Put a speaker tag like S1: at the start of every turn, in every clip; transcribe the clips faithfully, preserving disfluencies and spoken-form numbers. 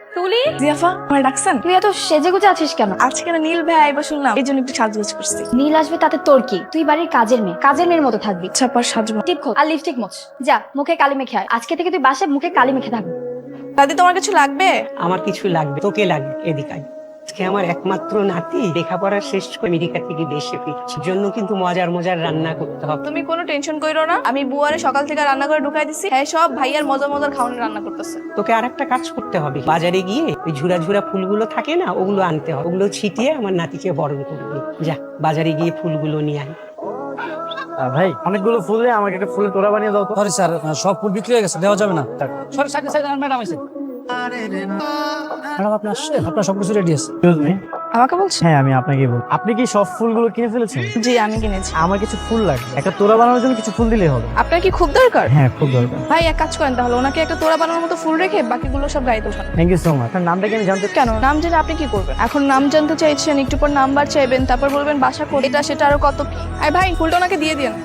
S1: তুলি,
S2: জিয়াফা আমার ডাকছেন?
S1: তুই এত সেজেগুজে আছিস কেন?
S2: আজকে না নীল ভাই আইবা শুনলাম, এই জন্য একটু সাজগোজ করছি।
S1: নীল আসবে তাতে তোর কি? তুই বাড়ির কাজের মেয়ে, কাজের মেয়ের মতো থাকবি।
S2: ছাপার সাজবো।
S1: টিপ খোল আর লিপস্টিক মোছ। যা মুখে কালি মেখে আয়। আজকে থেকে তুই বাসায় মুখে কালি মেখে থাকবি।
S2: দাদি তোমার কিছু লাগবে?
S3: আমার কিছু লাগবে, তোকে লাগবে, এদিকে আয়। আজকে আমার একমাত্র নাতি লেখাপড়া শেষ করে আমেরিকা থেকে দেশে ফিরছে, জন্য কিন্তু মজার মজার রান্না করতে হবে।
S2: তুমি কোনো টেনশন কইরো না, আমি বুয়ারে সকাল থেকে রান্না করে ঢুকাই দিছি। হ্যাঁ সব ভাইয়ার মজার মজার খাওয়ানি রান্না করতেছে।
S3: তোকে আর একটা কাজ করতে হবে, বাজারে গিয়ে ওই ঝুরা ঝুরা ফুলগুলো থাকে না, ওগুলো আনতে হবে। ওগুলো ছিটিয়ে আমার নাতিকে বরণ করবি। যা বাজারে গিয়ে ফুলগুলো নিয়ে আয়।
S4: ভাই অনেকগুলো ফুল দিয়ে আমাকে একটা ফুলের তোড়া বানিয়ে দাও তো। সরি স্যার, সব ফুল বিক্রি হয়ে গেছে, দেওয়া যাবে না। সরি সাইডে সাইডে ম্যাডাম আছে। ম্যাডাম আপনি আসছেন, আপনার সবকিছু রেডি আছে। Excuse me.
S2: আমাকে বলছো?
S4: হ্যাঁ আমি আপনাকে বল। আপনি কি সব ফুলগুলো কিনে ফেলেছেন?
S2: জি আমি কিনেছি।
S4: আমার কিছু ফুল লাগবে, একটা তোড়া বানানোর জন্য কিছু ফুল দিলেই হবে।
S2: আপনার কি খুব দরকার?
S4: হ্যাঁ খুব দরকার।
S2: ভাই এক কাজ করেন তাহলে, ওনাকে একটা তোড়া বানানোর মতো ফুল রেখে বাকিগুলো সব গাড়িতে উঠান।
S4: Thank you so much. আপনার নামটা কি আমি জানতে?
S2: কেন নাম জেনে আপনি কি করবেন? এখন নাম জানতে চাইছেন, একটু পর নাম্বার চাইবেন, তারপর বলবেন বাসা কোথায়, এটা সেটা আরো কত কি। আরে ভাই ফুলটা ওনাকে দিয়ে দিন।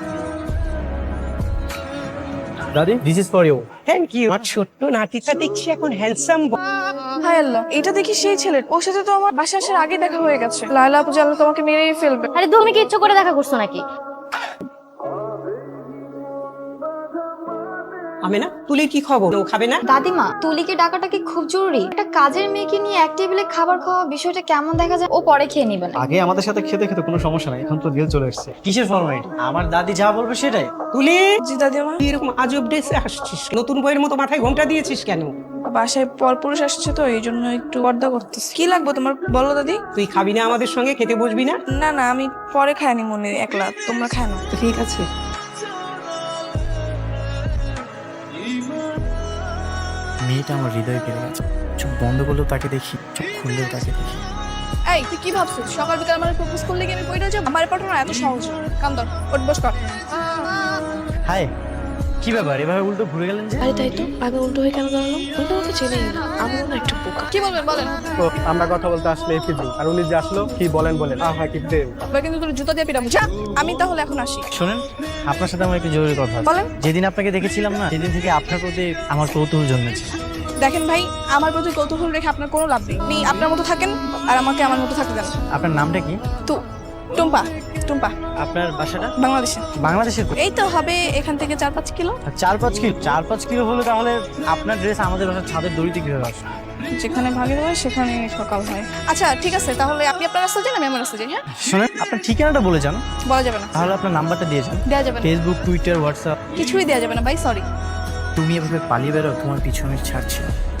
S4: দাদি this is for you.
S3: Thank you. আমার ছোট্ট নাতিটা দেখছি এখন হ্যান্ডসাম।
S2: হায় আল্লাহ, এটা দেখি সেই ছেলে। ওর সাথে তো আমার বাসা আসার আগে দেখা হয়ে গেছে। লায়লা আপু জানলে তোমাকে মেরেই ফেলবে।
S1: আরে তুমি কি ইচ্ছে করে দেখা করছো নাকি?
S3: আমি না, তুলির কি খবর? ও খাবে না?
S1: দাদিমা, তুলিকে ডাকাটা কি খুব জরুরি? একটা কাজের মেয়েকে নিয়ে এক টেবিলে খাবার খাওয়া বিষয়টা কেমন দেখা যায়? ও পরে খেয়ে নিবে না।
S4: আগে আমাদের সাথে খেতে খেতে কোনো সমস্যা নাই, এখন তো ডিল চলে এসেছে। কিসের ফরমালিটি? আমার দাদি যা বলবে সেটাই।
S3: তুলি,
S2: জি দাদিমা।
S3: তুই এরকম আজব ড্রেসে আসছিস, নতুন বইয়ের মতো মাথায় ঘোমটা দিয়েছিস কেন?
S2: বাসায় পরপুরুষ আসছে তো এই জন্য একটু পর্দা করতেছি। কি লাগবে তোমার বলো দাদি?
S3: তুই খাবি না আমাদের সঙ্গে? খেতে বসবি না?
S2: না না আমি পরে খাইনি মনে একলা, তোমরা খায় না।
S3: তো ঠিক আছে।
S4: মেয়েটা আমার হৃদয় কেড়ে গেছে। চোখ বন্ধ করলেও তাকে দেখি, চোখ খুললেও তাকে দেখি।
S2: এই তুই কি ভাবছিস সকাল বিকাল আমার প্রপোজ করলে কি আমি পড়ে যাবো? আমার পাঠানো এত সহজ না। কাম ধর, ওঠ বস কর।
S4: হাই, কি ব্যাপার এভাবে উল্টো ঘুরে গেলেন যে?
S2: আরে তাই তো, আমি উল্টো হয়ে কেন দাঁড়ালাম? উল্টো আমাকে চেনেই না, আমি না একটু বোকা। কি বলবেন বলেন?
S5: তো আমরা কথা বলতে আসলে এফিজি, আর উনি যে আসলো কি বলেন বলেন আহ হ্যাঁ কি প্রেম।
S2: এবার কিন্তু তোর জুতা দিয়ে পিটাবো। যা, আমি তাহলে এখন আসি।
S4: শোনেন, আপনার সাথে আমার একটু জরুরি কথা আছে।
S2: বলেন।
S4: যেদিন আপনাকে দেখেছিলাম না, সেদিন থেকে আপনার প্রতি আমার কৌতূহল জন্মেছে।
S2: দেখেন ভাই, আমার প্রতি কৌতূহল রেখে আপনার কোনো লাভ নেই। আপনি আপনার মতো থাকেন আর আমাকে আমার মতো থাকতে দেন।
S4: আপনার নামটা কি?
S2: তো টুম্পা। টুম্পা।
S4: আপনার বাসাটা?
S2: বাংলাদেশে।
S4: বাংলাদেশের কো-
S2: এই তো হবে এখান থেকে চার পাঁচ কিলো।
S4: চার পাঁচ কিলো? চার পাঁচ কিলো হলে তাহলে আপনার ড্রেস আমাদের বাসার ছাদের দড়িতে কিভাবে আসবে?
S2: যেখানে ভাগের হয় সেখানে সকাল হয়। আচ্ছা ঠিক আছে, তাহলে আপনি আপনার রাস্তা যান, আমি আমার রাস্তা যাই। হ্যাঁ
S4: শোনেন, আপনার ঠিকানাটা বলে যান।
S2: বলা যাবে না।
S4: তাহলে আপনার নাম্বারটা দিয়ে যান।
S2: দেওয়া যাবে না,
S4: ফেসবুক, টুইটার, হোয়াটসঅ্যাপ।
S2: কিছুই দেওয়া যাবে না ভাই, সরি।
S4: তুমি এভাবে পালিয়ে বেরো, তোমার পিছু আমি ছাড়ছি না।